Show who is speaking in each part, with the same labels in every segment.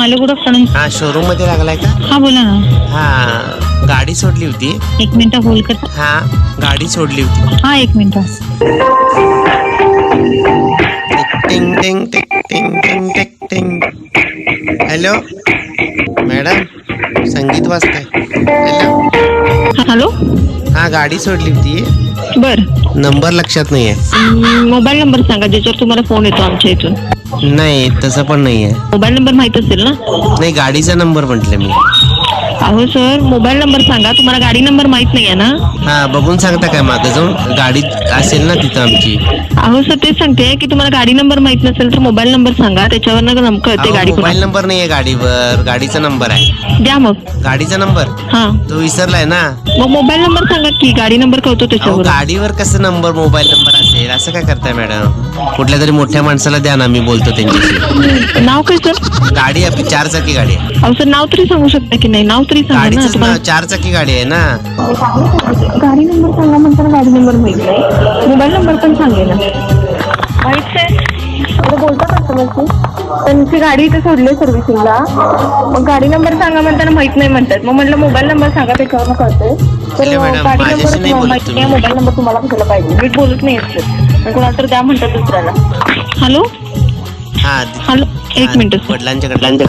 Speaker 1: Hello, good afternoon.
Speaker 2: हा showroom मध्ये लागलाय का?
Speaker 1: हा बोला ना.
Speaker 2: हा गाडी सोडली होती.
Speaker 1: एक मिनिट होल्ड कर.
Speaker 2: हा गाडी सोडली होती.
Speaker 1: हा एक मिनिट.
Speaker 2: टिंग टिंग टिक टिंग टिंग टिक टिंग. हॅलो मॅडम, संगीत वाजतंय. हॅलो.
Speaker 1: हॅलो.
Speaker 2: हा गाडी सोडली होती.
Speaker 1: बर.
Speaker 2: नंबर लक्षात नाहीये.
Speaker 1: मोबाईल नंबर सांगा ज्याच्यावर तुम्हाला फोन येतो आमच्या इथून.
Speaker 2: नाही तसं पण नाहीये.
Speaker 1: मोबाईल नंबर माहित असेल ना?
Speaker 2: नाही गाडीचा नंबर म्हटलं मी.
Speaker 1: अहो सर, मोबाईल नंबर सांगा. तुम्हाला गाडी नंबर माहित नाहीये ना?
Speaker 2: हा बघून सांगता काय मागं जाऊन? गाडी असेल ना तिथं आमची.
Speaker 1: अहो सर, तेच सांगते की तुम्हाला गाडी नंबर माहित नसेल तर मोबाईल नंबर सांगा, त्याच्यावर कळते गाडी.
Speaker 2: मोबाईल नंबर नाहीये गाडीवर, गाडीचा नंबर आहे.
Speaker 1: द्या मग
Speaker 2: गाडीचा नंबर
Speaker 1: हा.
Speaker 2: तो विसरलाय ना.
Speaker 1: मग मोबाईल नंबर सांगा की गाडी नंबर कळतो त्याच्यावर.
Speaker 2: गाडीवर कसं नंबर मोबाईल नंबर असेल? असं काय करताय मॅडम? कुठल्या तरी मोठ्या माणसाला द्या ना, मी बोलतो त्यांच्याशी.
Speaker 1: नाव काय सर?
Speaker 2: गाडी आपली 4 चाकी गाडी आहे.
Speaker 1: अहो सर, नाव तरी सांगू शकता की नाही? नाव तरी सांगा ना.
Speaker 2: गाडीचं
Speaker 1: तुम्हाला
Speaker 2: 4 चाकी गाडी आहे ना.
Speaker 1: गाडी नंबर सांगा म्हणताना गाडी नंबर माहित नाही. मोबाईल नंबर पण सांगे ना. माहित आहे बोलता कस्टमरशी. त्यांची गाडी इथे सोडली सर्व्हिसिंगला. मग गाडी नंबर सांगा म्हणताना माहित नाही म्हणतात. मग म्हटलं मोबाईल नंबर सांगा, त्याच्यावर कळतंय. तर
Speaker 2: मॅडम,
Speaker 1: गाडी
Speaker 2: माझ्याशी नाही
Speaker 1: नंबर
Speaker 2: बोलत
Speaker 1: माहित
Speaker 2: तुम्ही.
Speaker 1: नाही, मोबाईल नंबर तुम्हाला कशाला पाहिजे? नीट बोलत नाही सर. कोणाला तर द्या म्हणतात दुसऱ्याला. हॅलो.
Speaker 2: हा
Speaker 1: हॅलो, एक मिनिट.
Speaker 2: वडिलांच्याकडे.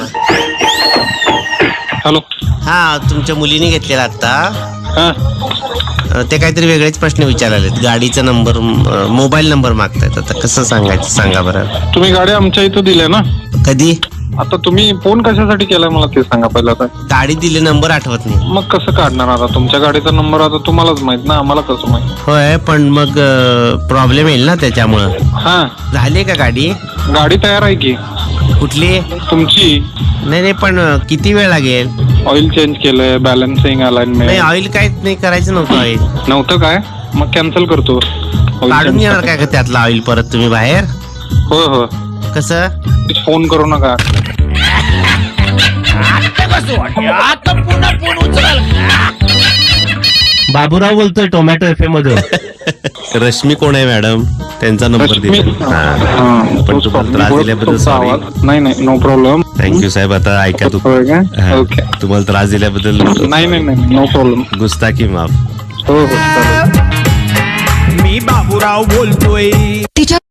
Speaker 3: हॅलो.
Speaker 2: हा तुमच्या मुलीने घेतलेला आता.
Speaker 3: हा.
Speaker 2: ते काहीतरी वेगळेच प्रश्न विचारायला. गाडीचा नंबर, मोबाईल नंबर मागतायत. आता कसं सांगायचं सांगा बरं.
Speaker 3: तुम्ही गाडी आमच्या इथं दिल्या ना.
Speaker 2: कधी?
Speaker 3: आता तुम्ही फोन कशासाठी केलाय मला ते सांगा पहिला. तर
Speaker 2: गाडी दिले, नंबर आठवत नाही.
Speaker 3: मग कसं काढणार आता? तुमच्या गाडीचा नंबर आता तुम्हालाच माहित ना, आम्हाला कसं माहित?
Speaker 2: होय, पण मग प्रॉब्लेम येईल ना त्याच्यामुळं.
Speaker 3: हा.
Speaker 2: झाली का गाडी?
Speaker 3: गाडी तयार आहे की.
Speaker 2: कुठली?
Speaker 3: तुमची.
Speaker 2: नाही पण किती वेळ लागेल?
Speaker 3: ऑइल चेंज केलंय, बॅलन्सिंग
Speaker 2: नाही
Speaker 3: अलाइनमेंट.
Speaker 2: ऑइल काहीच नाही करायचं नव्हतं. ऑइल
Speaker 3: नव्हतं काय? मग कॅन्सल करतो. Oil
Speaker 2: काढून
Speaker 3: change.
Speaker 2: येणार काय का त्यातलं ऑइल परत तुम्ही बाहेर?
Speaker 3: हो हो.
Speaker 2: कसं?
Speaker 3: फोन करू नका.
Speaker 2: बाबूराव बोलतोय टोमॅटो FM मधून. रश्मी कोण आहे मॅडम? त्यांचा नंबर दिला. पण तुम्हाला त्रास दिल्याबद्दल सॉरी.
Speaker 3: नाही नो प्रॉब्लेम.
Speaker 2: थँक्यू साहेब. आता ऐका तू.
Speaker 3: ओके.
Speaker 2: तुम्हाला त्रास दिल्याबद्दल
Speaker 3: नाही नो प्रॉब्लेम.
Speaker 2: गुस्ताखी माफ.
Speaker 3: हो चालेल.
Speaker 4: मी बाबूराव बोलतोय.
Speaker 5: तिच्या